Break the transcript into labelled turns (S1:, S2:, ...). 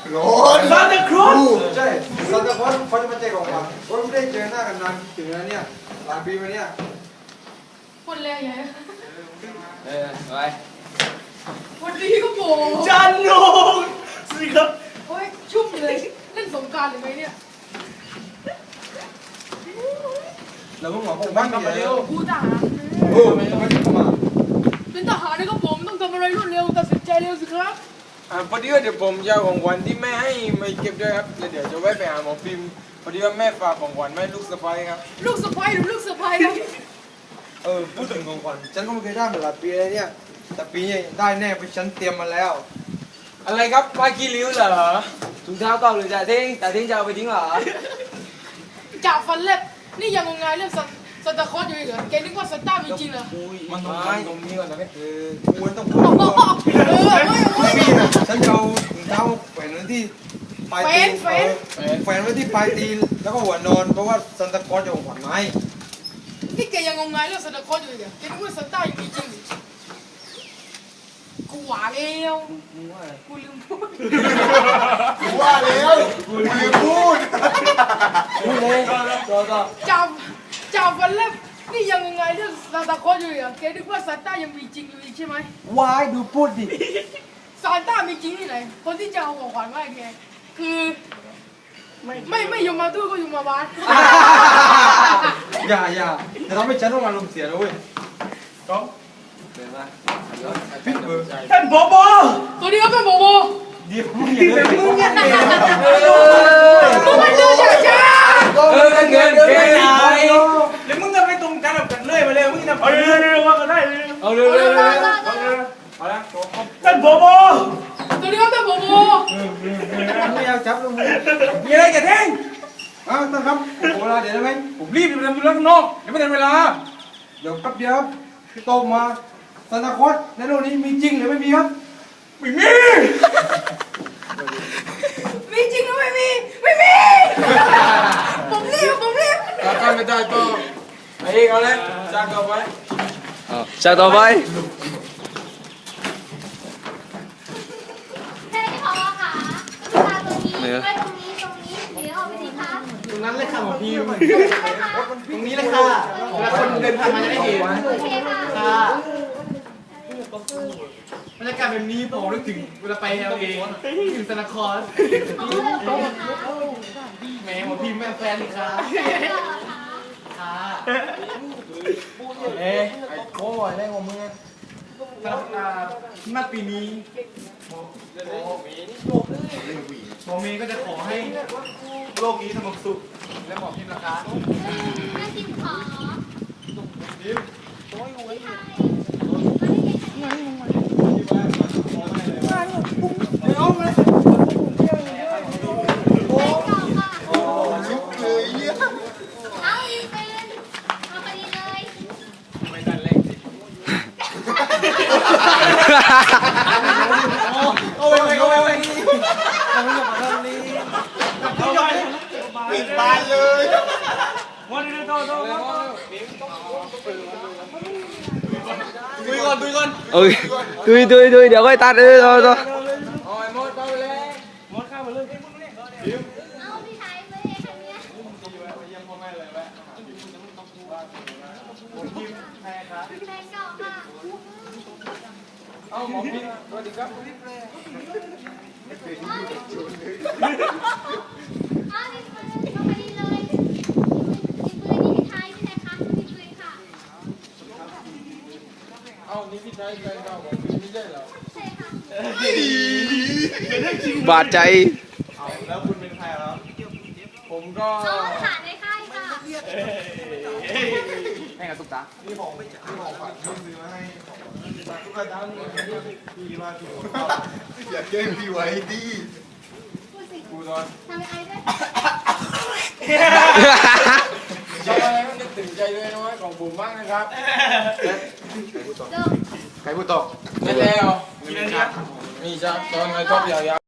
S1: ร้อนซานตาคลอสใช่ซานตาคลอสเขาจะมาแจกของขวัญก็ไม่ได้เจอหน้ากันนานถึงแล้วเนี่ยหลายปีมาเนี่ย
S2: คนแรกไง
S3: ไป
S2: วันนี้ก็โผล่
S1: จันโนสิครับ
S2: โอ้ยชุ่มเลยเล่นสงกรานต์หรือไงเนี่ย
S1: เราเพิ่งหมอผมบ้านกันมาเร็ว
S2: กูทหาร
S1: โอ้ไม่ได้เข้ามา
S2: เป็นทหารนะครับผมต้องทำอะไรรวดเร็วตัดสินใจเร็วสิครับ
S3: พอดีว่าเดี๋ยวผมจะเอาของขวัญที่แม่ให้มาเก็บด้วยครับแล้วเดี๋ยวจะแวะไปหาหมอฟิล์มพอดีว่าแม่ฝากของขวัญแม่ลูกสะใภ้ครับ
S2: ลูกสะใภ้หรือลูกสะใภ้ครับ
S1: พูดถึงของขวัญฉันก็ไม่เคยได้มาหลายปีเลยเนี่ยแต่ปีนี้ได้แน่เพราะฉันเตรียมมาแล้ว
S3: อะไรครับผ้าขี้ริ้วเหรอ
S4: ถุงเท้าเก่าหรือจ่าทิ้งจะเอาไปทิ้งเหรอ
S2: จ่าฟันเล็บนี่ยังงงงายเรื่องซันตาคลอสอยู่อีกเหรอแกนึกว่าซันต้ามีจริงเหรอ
S3: มันต้องไปตรงนี้ก่อนนะ
S1: ควรต้องพูดไม่มีนะฉันจะเอาถุงเท้าแขวนไว้ที่ปลายตีนแขวนไว้ที่ปลายตีนแล้วก็หัวนอนเพราะว่าซันตาคลอสจะของขวัญมาให้
S2: นี่แกยังงงงายเรื่องซันตาคลอสอยู่อีกเหรอแกนึกว่าซันต้ายังมีจริงกูว่าแล้วกูลืมพูด
S1: กูว่าแล้วกูลืมพูด
S4: เลย
S2: จ่าฟันเล็บนี่ยังงงงายเรื่องซันตาคลอสอยู่อีกเหรอแกนึกว่าซันต้ายังมีจริงอยู่อีกใช่ไหม
S4: วายดูพูดดิ
S2: ซานต้ามีจริงที่ไหนคนที่จะเอาของขวัญมาให้แกคือไม่ยมมาตู้ก็ยมมาบ้าน
S1: อย่าแต่ทำให้ฉันต้องมาลมเสียนะเว้ยก็
S3: เดินมา
S1: ท่านผบ.
S2: ตัวนี้ก็เป็นโบโบ
S1: เดี๋ยวมึงอย่าเดินมึงอย่าเดิน
S2: มึงมันเดินช้า
S3: เงินเฮ้ย
S1: แล้วมึงจะไปตรงกันแบบกันเลยมาเลยมึงจะเอาเร็วว่ากันได้
S3: เอาเร็ว
S1: เอาละท่านผบ.
S2: ตัวนี้ก็เป็นโบโบ
S1: ไม่เอาจับลงมือ
S3: มีอะไรกันเท่ง
S1: ท่านครับเวลาเดี๋ยวได้ไหม
S3: ผมรีบไปทำธุระข้างนอกเดี๋ยวไม่ทันเวลา
S1: เดี๋ยวแป๊บเดียวโตมาซานตาคลอสในโลกนี้มีจริงหรือไม่มีครับ
S3: ไม่มี
S2: มีจริงหรือไม่มีผมรีบ
S3: การไม่ได้ก็ไอ้เอาเลยจากต่อไป
S4: จากต่อไป
S5: ใช่พอค่ะลูกค้าตัวนี้ไว้ตรงนี้เดี๋ยวเอาไปสิคะ
S1: ตรงนั้นเลยค่ะหมอพี่
S5: ตรง
S1: นี้เลยค่ะเวลาคนเดินผ่านมาจะได้เห็น
S5: โอเคค่ะ
S1: บรรยากาศแบบนี้ผมนึกถึงเวลาไปLAถึงซานตาคลอสแหมหมอพี่แม่แฟนเลยค่ะค่ะ
S3: ไอ้โอ้ยได้ของมึง
S1: สำหรับมาปีนี้หมอเมย์ก็จะขอให้โลกนี้สงบสุขและหมอพิมพ์ราคา
S5: แม่ชิมขอ
S1: พิมพ์ปิดบานเลยวันนี้โตดูก่อน
S4: ดุยเดี๋ยวค่อยตัด
S3: โอ้ยมดไปเลย
S1: มดข้ามมาเลย
S5: เอาพี่ชายไปให้คันนี้
S1: เยี่ยมพ่อแม่เลยแวะแพ้ครับ
S5: แฟนเก่าค่ะ
S3: เอาหมอพี่สวัสดีครับ
S5: เอาดิเพื่อนมาพอดีเลยดิปืนนี่พี่ชายพี่ชายคะดิปืนค่ะ
S3: เอานี่พี่ชายแฟนเก่าของพี่ไม่ใช่เหรอ
S5: ใช่ค่ะ
S4: บาดใจ
S1: แล้วคุณเป็นใครครับ
S3: ผมก็
S5: น้องขาในค่ายค่ะ
S4: ให้กับตุ๊กตา
S1: นี่ของไม่จ่ายของฝากซื้อมาให้ตุ๊กตาพี่มาถูกอยากแกล้งพี่ไว้ดิ
S5: กูตอนทำไอ้ด้วย
S3: ชอบอะไรก็นึกถึงใจด้วยน้อยของผมบ้างนะครับ
S1: ใครพูดต่อ
S3: ไม่แล้วมีจ้าตอนไงชอบยาว